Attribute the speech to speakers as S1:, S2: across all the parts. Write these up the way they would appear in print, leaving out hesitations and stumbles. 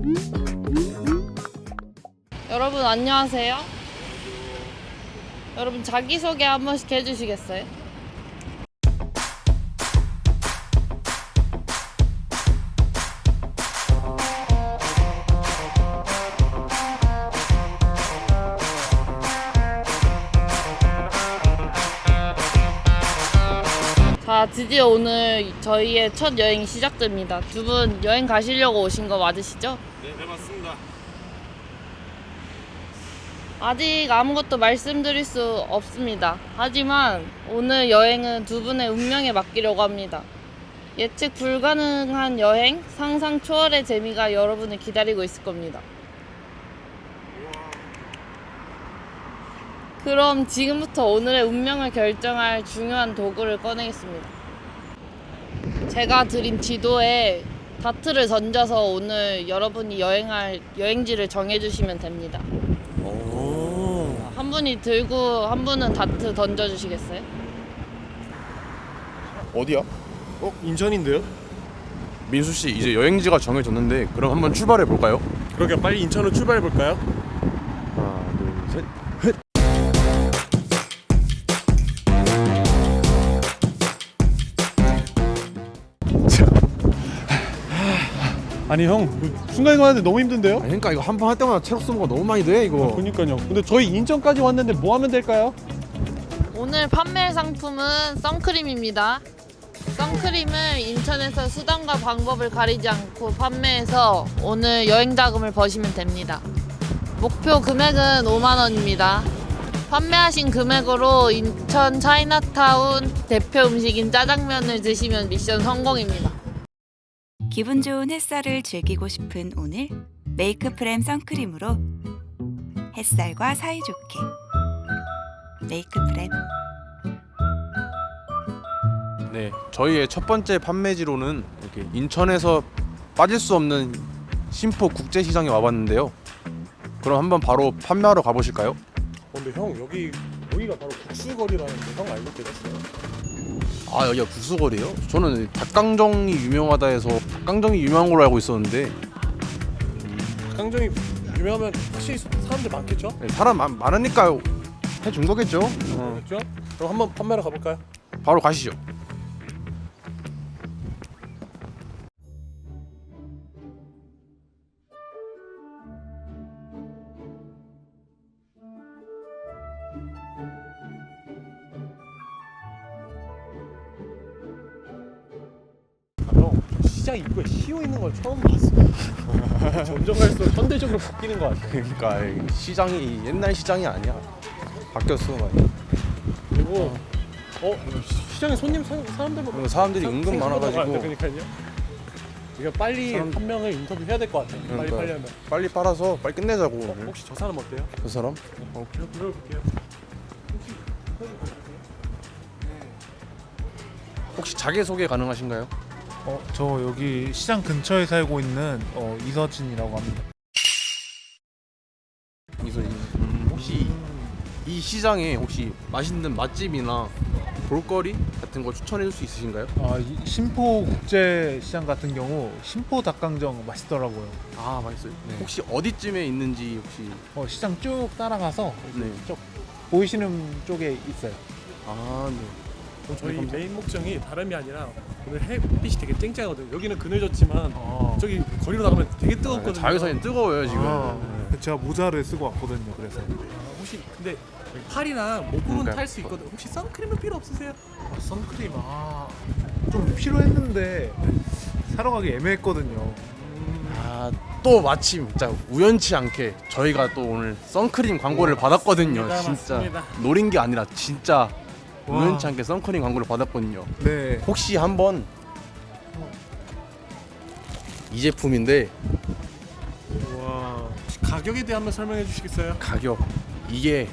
S1: 여러분 안녕하세요. 여러분 자기소개 한 번씩 해주시겠어요? 자, 드디어 오늘 저희의 첫 여행이 시작됩니다. 두 분 여행 가시려고 오신 거 맞으시죠?
S2: 네, 맞습니다.
S1: 아직 아무것도 말씀드릴 수 없습니다. 하지만 오늘 여행은 두 분의 운명에 맡기려고 합니다. 예측 불가능한 여행, 상상 초월의 재미가 여러분을 기다리고 있을 겁니다. 그럼 지금부터 오늘의 운명을 결정할 중요한 도구를 꺼내겠습니다. 제가 드린 지도에 다트를 던져서 오늘 여러분이 여행할 여행지를 정해주시면 됩니다. 한 분이 들고 한 분은 다트 던져주시겠어요?
S3: 어디야?
S2: 인천인데요?
S3: 민수 씨 이제 여행지가 정해졌는데 그럼 한번 출발해 볼까요?
S2: 그러니까 빨리 인천으로 출발해 볼까요?
S3: 하나, 둘, 셋.
S2: 아니 형, 순간 이동하는데 너무 힘든데요?
S3: 그러니까 이거 한 번 할 때마다 체력 소모가 너무 많이 돼 이거.
S2: 그러니까요. 근데 저희 인천까지 왔는데 뭐 하면 될까요?
S1: 오늘 판매 상품은 선크림입니다. 선크림을 인천에서 수단과 방법을 가리지 않고 판매해서 오늘 여행 자금을 버시면 됩니다. 목표 금액은 5만 원입니다. 판매하신 금액으로 인천 차이나타운 대표 음식인 짜장면을 드시면 미션 성공입니다.
S4: 기분 좋은 햇살을 즐기고 싶은 오늘 메이크프렘 선크림으로 햇살과 사이좋게 메이크프렘.
S3: 네, 저희의 첫 번째 판매지로는 이렇게 인천에서 빠질 수 없는 신포 국제시장에 와봤는데요. 그럼 한번 바로 판매하러 가보실까요?
S2: 근데 형 여기가 바로 국수거리라는데 형 알고 계셨어요?
S3: 아, 여기가 국수거리예요? 저는 닭강정이 유명하다 해서 닭강정이 유명한 걸로 알고 있었는데
S2: 닭강정이 유명하면 확실히 사람들 많겠죠?
S3: 네, 사람 많으니까 해준 거겠죠?
S2: 그렇죠? 그럼 한번 판매하러 가볼까요?
S3: 바로 가시죠.
S2: 형, 시장 입구에 시오 있는 걸 처음 봤어. 점점 갈수록 현대적으로 바뀌는 것 같아.
S3: 그러니까 시장이 옛날 시장이 아니야. 바뀌었어 많이.
S2: 그리고 시장에 사람들
S3: 사람들이 은근 많아가지고
S2: 그러니까요. 이거 빨리 한 명을 인터뷰해야 될 것 같아. 빨리
S3: 그러니까
S2: 하면.
S3: 빨리 빨아서 빨리 끝내자고. 오늘.
S2: 혹시 저 사람 어때요?
S3: 그 사람?
S2: 제가 불러볼게요.
S3: 혹시 자기소개 가능하신가요?
S5: 저 여기 시장 근처에 살고 있는 이서진이라고 합니다.
S3: 혹시 이 시장에 혹시 맛있는 맛집이나 볼거리 같은 거 추천해 줄 수 있으신가요?
S5: 이 신포 국제 시장 같은 경우 신포 닭강정 맛있더라고요.
S3: 아, 맛있어요.
S5: 네.
S3: 혹시 어디쯤에 있는지 혹시
S5: 시장 쭉 따라가서
S3: 네.
S5: 쭉 보이시는 쪽에 있어요.
S3: 아, 네.
S2: 저희
S3: 감사합니다.
S2: 메인 목적이 다름이 아니라 오늘 햇빛이 되게 쨍쨍하거든요. 여기는 그늘졌지만 저기 거리로 나가면 되게 뜨겁거든요.
S3: 자외선이 뜨거워요 지금.
S5: 제가 모자를 쓰고 왔거든요. 그래서
S2: 혹시 근데 팔이나 목 부분
S3: 그러니까.
S2: 탈 수 있거든요. 혹시 선크림은 필요 없으세요?
S5: 선크림 좀 필요했는데 사러 가기 애매했거든요.
S3: 아, 또 마침 진짜 우연치 않게 저희가 또 오늘 선크림 광고를 받았거든요.
S2: 맞습니다,
S3: 진짜
S2: 맞습니다.
S3: 노린 게 아니라 진짜
S5: 와.
S3: 우연치 않게 선크림 광고를 받았거든요.
S5: 네.
S3: 혹시 한번 이 제품인데
S2: 와. 가격에 대해 한번 설명해 주시겠어요?
S3: 가격 이게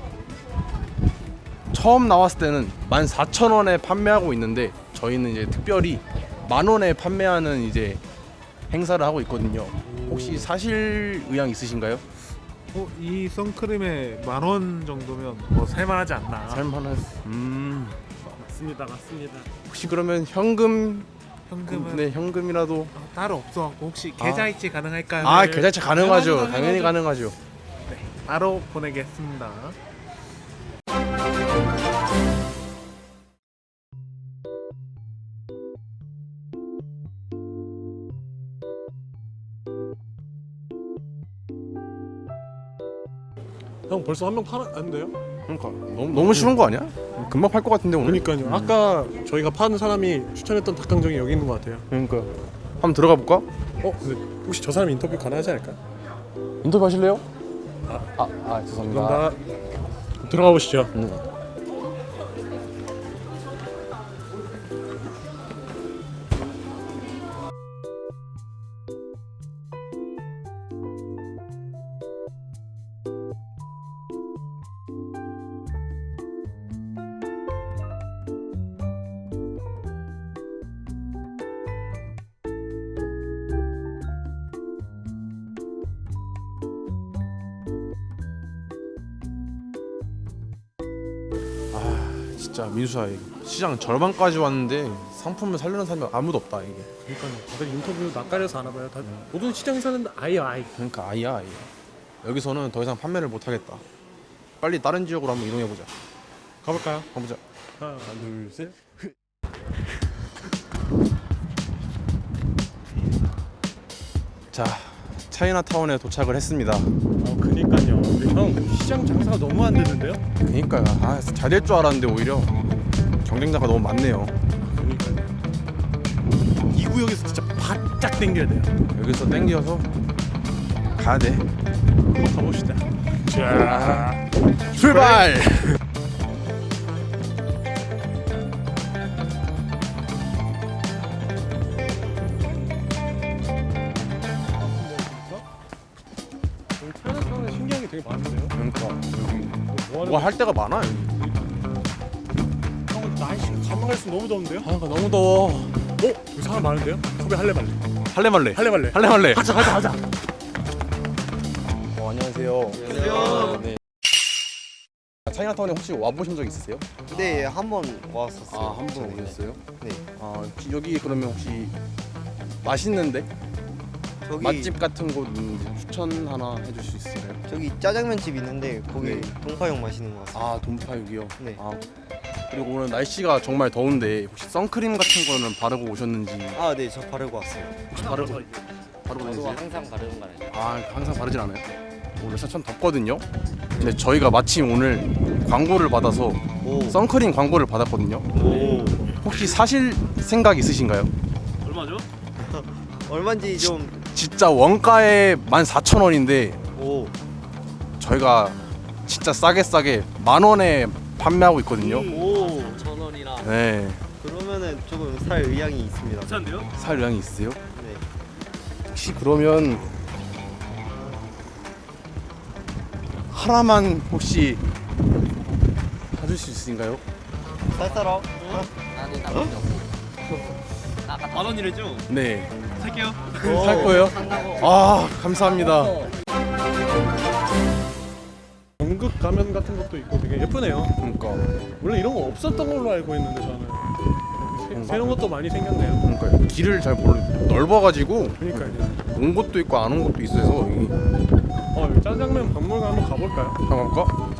S3: 처음 나왔을 때는 14,000원에 판매하고 있는데 저희는 이제 특별히 10,000원에 판매하는 이제 행사를 하고 있거든요. 혹시 사실 의향 있으신가요?
S5: 이 선크림에 10,000원 정도면 뭐 살만하지 않나.
S3: 살만한.
S2: 맞습니다.
S3: 혹시 그러면 현금
S5: 현금은
S3: 네, 현금이라도.
S5: 따로 없어갖고 혹시 계좌이체 가능할까요?
S3: 아, 계좌이체 가능하죠.
S5: 가능하죠.
S3: 당연히 가능하죠.
S5: 바로 보내겠습니다.
S2: 형 벌써 한 명 팔았는데요?
S3: 그러니까 너무 쉬운 거 아니야? 금방 팔 것 같은데 오늘.
S2: 그러니까요. 아까 저희가 파는 사람이 추천했던 닭강정이 여기 있는 것 같아요.
S3: 그러니까 한번 들어가 볼까?
S2: 근데 혹시 저 사람 인터뷰 가능하지 않을까?
S3: 인터뷰 하실래요? 죄송합니다.
S2: 감사합니다. 들어가 보시죠.
S3: 진짜 민수야, 시장 절반까지 왔는데 상품을 살려는 사람이 아무도 없다 이게.
S2: 그러니까요. 다들 인터뷰 낯가려서 하나 봐요. 모든 시장에서는 아예.
S3: 그러니까 아이야. 여기서는 더 이상 판매를 못 하겠다. 빨리 다른 지역으로 한번 이동해 보자.
S2: 가볼까요?
S3: 가보자.
S2: 하나, 둘, 셋.
S3: 자, 차이나타운에 도착을 했습니다.
S2: 그니까요. 근데 형 시장 장사가 너무 안 되는데요?
S3: 그러니까요. 잘 될 줄 알았는데 오히려 경쟁자가 너무 많네요.
S2: 그러니까요. 이 구역에서 진짜 바짝 당겨야 돼요.
S3: 여기서 땡겨서 가야 돼.
S2: 한번 가봅시다. 자,
S3: 출발!
S2: 여기 차이나타운에 신기한 게 되게 많은데요?
S3: 그러니까 여기
S2: 뭐
S3: 뭐 할 데가 많아 여기.
S2: 형 날씨가 가만 갈수록 너무 더운데요?
S3: 너무 더워.
S2: 여기 사람 많은데요? 섭외 할래 말래?
S3: 할래 말래.
S2: 할래 말래?
S3: 하자.
S2: 하자.
S3: 안녕하세요.
S6: 안녕하세요.
S3: 네. 차이나타운에 혹시 와보신 적 있으세요?
S6: 네, 한 번 왔었어요.
S3: 한 번
S6: 전에.
S3: 오셨어요?
S6: 네.
S3: 혹시 여기 그러면 혹시 맛있는데
S6: 저기
S3: 맛집 같은 곳 추천 하나 해줄 수 있을까요?
S6: 저기 짜장면 집 있는데 거기
S3: 네.
S6: 동파육 맛있는 것 같습니다.
S3: 돈파육이요.
S6: 네.
S3: 그리고 오늘 날씨가 정말 더운데 혹시 선크림 같은 거는 바르고 오셨는지.
S6: 아, 네, 저 바르고 왔어요.
S3: 혹시 바르고 다니세요?
S7: 항상 바르는 거 아니에요?
S3: 항상 바르진 않아요. 오늘 참 덥거든요. 근데 저희가 마침 오늘 광고를 받아서
S6: 오.
S3: 선크림 광고를 받았거든요.
S6: 오.
S3: 혹시 사실 생각 있으신가요?
S6: 얼마인지 좀.
S3: 진짜 원가에 14,000원인데
S6: 오.
S3: 저희가 진짜 싸게 10,000원에 판매하고 있거든요.
S6: 오.
S7: 1,000원이나
S3: 네.
S6: 그러면은 조금 살 의향이 있습니다.
S3: 살 의향이 있으세요?
S6: 네.
S3: 혹시 그러면 하나만 혹시 사줄 수 있으신가요?
S6: 쌀쌀어.
S7: 아니 나 필요 없어. 나 아까 1,000원이랬죠?
S3: 네.
S7: 살게요.
S3: 살 거예요? 감사합니다.
S2: 연극 가면 같은 것도 있고 되게 예쁘네요.
S3: 그러니까
S2: 원래 이런 거 없었던 걸로 알고 있는데 저는 새로운 것도 많이 생겼네요.
S3: 그러니까 길을 잘 모르 넓어가지고
S2: 그러니까요.
S3: 온 곳도 있고 안 온 곳도 있어서 여기
S2: 여기 짜장면 박물관 한번 가볼까요?
S3: 한번 갈까?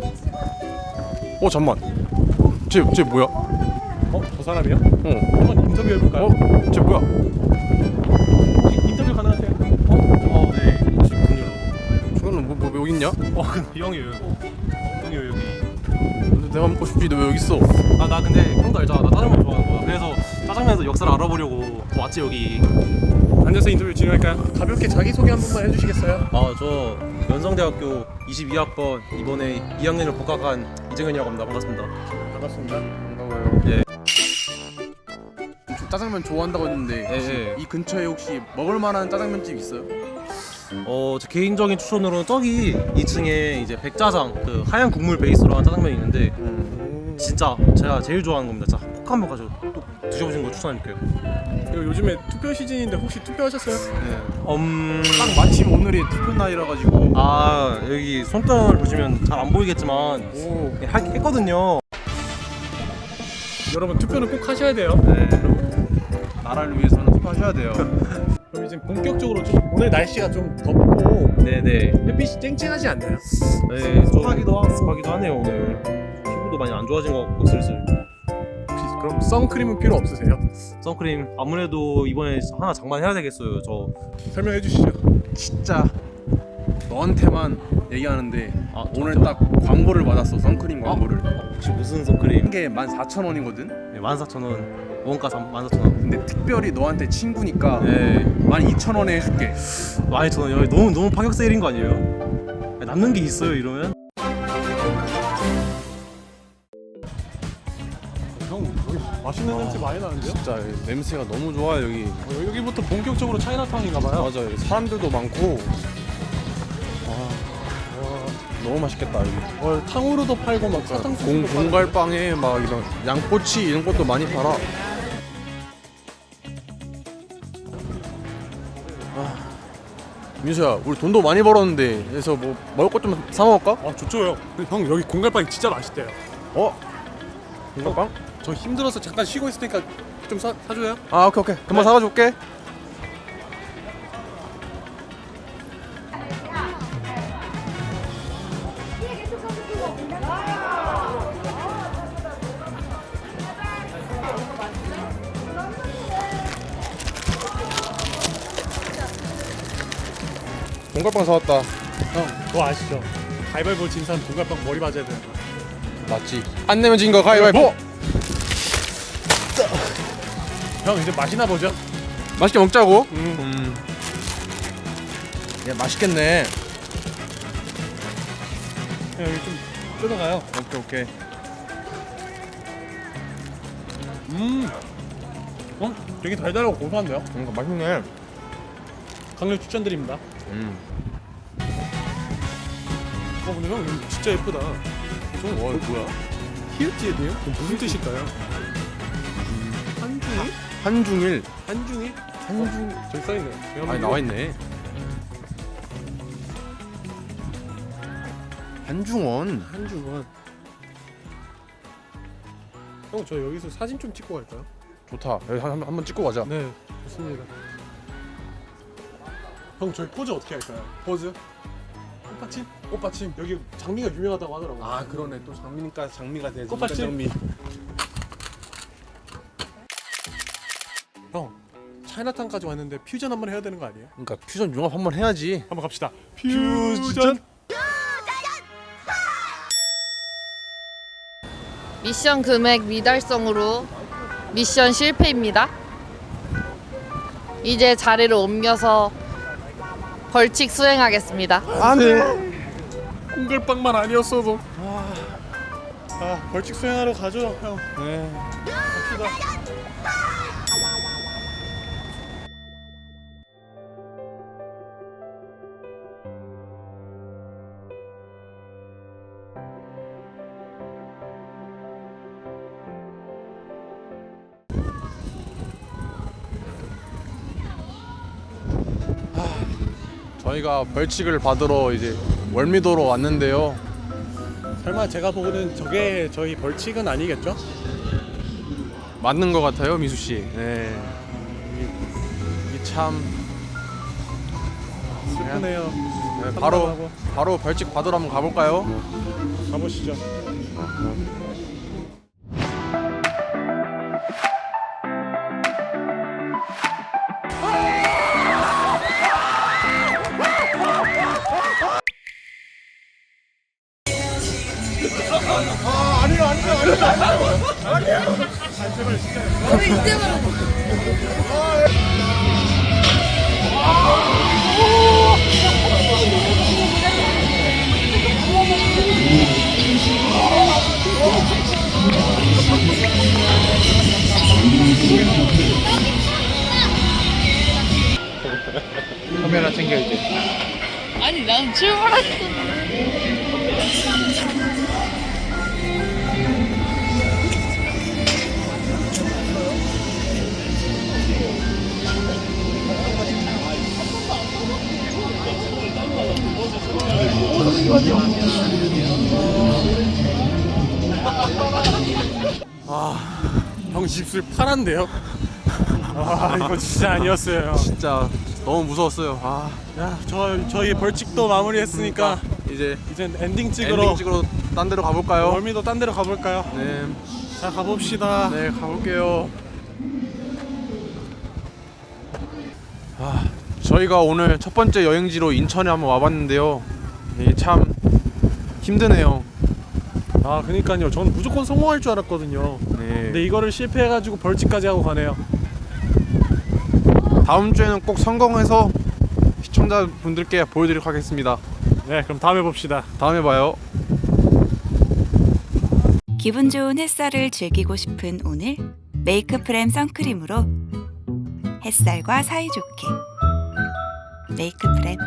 S3: 잠만. 쟤 뭐야?
S2: 저 사람이요?
S3: 어.
S2: 한번 인터뷰 해볼까요?
S3: 쟤 뭐야?
S2: 혹시 인터뷰 가능하세요?
S8: 네, 그렇군요.
S3: 저거는 뭐 여기 있냐?
S8: 근데 형이에요. 형이요 여기.
S3: 내가 먹고 싶지 너 왜 여기 있어?
S8: 나 근데 형도 알잖아. 나 짜장면 좋아하는 거야. 그래서 짜장면에서 역사를 알아보려고 왔지 여기.
S2: 앉아서 인터뷰 진행할까요? 가볍게 자기소개 한 번만 해주시겠어요?
S8: 저 연성대학교 22학번 이번에 2학년을 복학한 이정현이라고 합니다. 반갑습니다.
S2: 반갑습니다.
S3: 반가워요.
S8: 예.
S3: 짜장면 좋아한다고 했는데 혹시
S8: 예.
S3: 이 근처에 혹시 먹을 만한 짜장면집 있어요?
S8: 제 개인적인 추천으로는 저기 2층에 이제 백짜장 그 하얀 국물 베이스로 한 짜장면이 있는데 진짜 제가 제일 좋아하는 겁니다. 진짜 꼭 한번 가서 또 드셔보시는 걸 추천할게요.
S2: 그리고 요즘에 투표 시즌인데 혹시 투표하셨어요?
S3: 딱 마침 오늘이 투표 날이라 가지고
S8: 여기 손등을 보시면 잘 안 보이겠지만 했거든요.
S2: 여러분 투표는 꼭 하셔야 돼요.
S8: 네.
S3: 나라를 위해서는 투표하셔야 돼요.
S2: 그럼 이제 본격적으로 좀 오늘 날씨가 좀 덥고
S8: 네네.
S2: 햇빛이 쨍쨍하지 않나요?
S8: 네,
S2: 습하기도 하고.
S8: 습하기도 하네요 오늘. 피부도 많이 안 좋아진 것 같고 슬슬.
S2: 혹시 그럼 선크림은 필요 없으세요?
S8: 선크림 아무래도 이번에 하나 장만해야 되겠어요. 저
S2: 설명해 주시죠.
S3: 진짜 너한테만 얘기하는데
S8: 아,
S3: 오늘 딱 광고를 받았어. 선크림 광고를.
S8: 혹시 무슨 선크림?
S3: 한 개에 14,000원이거든.
S8: 네, 14,000원. 원가 14,000원.
S3: 근데 특별히 너한테 친구니까
S8: 네,
S3: 12,000원에 해줄게.
S8: 12,000원. 여기 너무 파격 세일인 거 아니에요? 남는 게 있어요 이러면?
S2: 형 여기 맛있는 냄새 많이 나는데요?
S3: 진짜 냄새가 너무 좋아 여기.
S2: 여기부터 본격적으로 차이나타운인가 봐요.
S3: 맞아 여기 사람들도 많고. 너무 맛있겠다 여기.
S2: 탕후루도 팔고 막 사탕수수도 팔고.
S3: 공갈빵에 막 이런 양꼬치 이런 것도 많이 팔아. 민수야, 우리 돈도 많이 벌었는데 그래서 뭐 먹을 것 좀 사 먹을까?
S2: 아 좋죠 형. 형 여기 공갈빵이 진짜 맛있대요.
S3: 어? 공갈빵?
S2: 저 힘들어서 잠깐 쉬고 있을 테니까 좀 사줘요.
S3: 아 오케이 금방 사가지고 올게. 공갈빵 사왔다.
S2: 형 그거 아시죠? 가위바위보 진 사람 공갈빵 머리 맞아야 되는 거.
S3: 맞지? 안 내면 진 거 가위바위보.
S2: 형 이제 맛이나 보죠.
S3: 맛있게 먹자고. 야 맛있겠네.
S2: 형 여기 좀 뜯어가요.
S3: 오케이.
S2: 되게 달달하고 고소한데요?
S3: 그러니까 맛있네.
S2: 강력 추천드립니다. 근데 형 이거 진짜 예쁘다.
S3: 뭐야?
S2: 히읗지에 돼요? 무슨 뜻일까요? 한중이?
S3: 한중일.
S2: 한중이? 저기 써있네요.
S3: 아니 나와 있네. 한중원.
S2: 한중원. 형 저 여기서 사진 좀 찍고 갈까요?
S3: 좋다. 여기 한번 찍고 가자.
S2: 네 좋습니다. 형 저희 포즈 어떻게 할까요? 포즈? 꽃받침? 꽃받침. 여기 장미가 유명하다고 하더라고요.
S3: 아 그러네. 또 장미니까 장미가 되지.
S2: 꽃받침?
S3: 장미.
S2: 형 차이나타운까지 왔는데 퓨전 한번 해야 되는 거 아니에요?
S3: 그러니까 퓨전 융합 한번 해야지.
S2: 한번 갑시다. 퓨전.
S1: 미션 금액 미달성으로 미션 실패입니다. 이제 자리를 옮겨서 벌칙 수행하겠습니다.
S3: 안돼.
S2: 공갈빵만 아니었어도. 벌칙 수행하러 가죠, 형.
S3: 네.
S2: 갑시다.
S3: 저희가 벌칙을 받으러 이제 월미도로 왔는데요.
S2: 설마 제가 보고는 저게 저희 벌칙은 아니겠죠?
S3: 맞는 것 같아요, 미수 씨. 네. 이 참.
S2: 슬프네요.
S3: 네,
S2: 참담하고.
S3: 바로 벌칙 받으러 한번 가볼까요?
S2: 가보시죠.
S5: 카메라 챙겨 이제.
S1: 아니 난 출발했어.
S2: 형 입술 파란데요? 아 이거 진짜 아니었어요.
S3: 진짜 너무 무서웠어요.
S2: 야, 저희 벌칙도 마무리했으니까
S3: 이제
S2: 이젠 엔딩 찍으러
S3: 엔딩 찍으러 딴 데로 가볼까요?
S2: 월미도 딴 데로 가볼까요?
S3: 네,
S2: 자 가봅시다.
S3: 네 가볼게요. 저희가 오늘 첫 번째 여행지로 인천에 한번 와봤는데요. 이게 참 힘드네요.
S2: 아 그니까요. 저는 무조건 성공할 줄 알았거든요.
S3: 네.
S2: 근데 이거를 실패해가지고 벌칙까지 하고 가네요.
S3: 다음 주에는 꼭 성공해서 시청자분들께 보여드리도록 하겠습니다.
S2: 네, 그럼 다음에 봅시다.
S3: 다음에 봐요.
S4: 기분 좋은 햇살을 즐기고 싶은 오늘 메이크프렘 선크림으로 햇살과 사이좋게 메이크프렘